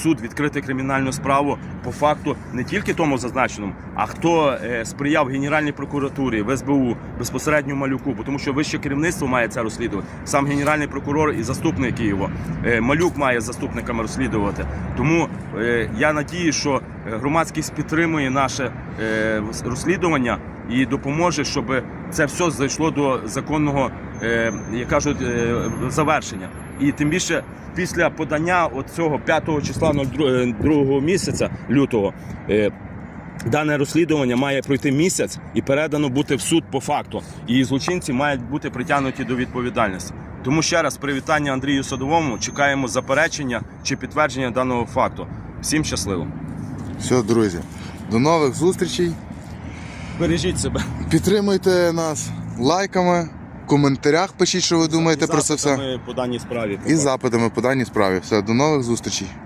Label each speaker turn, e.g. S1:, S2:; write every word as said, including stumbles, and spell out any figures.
S1: суд відкрити кримінальну справу по факту не тільки тому зазначеному, а хто сприяв Генеральній прокуратурі, в ес бе у, безпосередньо Малюку, бо тому що вище керівництво має це розслідувати, сам Генеральний прокурор і заступники його. Малюк має заступниками розслідувати. Тому я надію, що громадськість підтримує наше розслідування і допоможе, щоб це все зайшло до законного, як кажуть, завершення. І тим більше після подання цього п'ятого числа другого місяця лютого дане розслідування має пройти місяць і передано бути в суд по факту. І злочинці мають бути притягнуті до відповідальності. Тому ще раз привітання Андрію Садовому. Чекаємо заперечення чи підтвердження даного факту. Всім щасливо.
S2: Все, друзі. До нових зустрічей.
S1: Бережіть себе.
S2: Підтримуйте нас лайками, в коментарях пишіть, що ви думаєте про це все.
S1: По даній справі.
S2: І запитами по даній справі. Все, до нових зустрічей.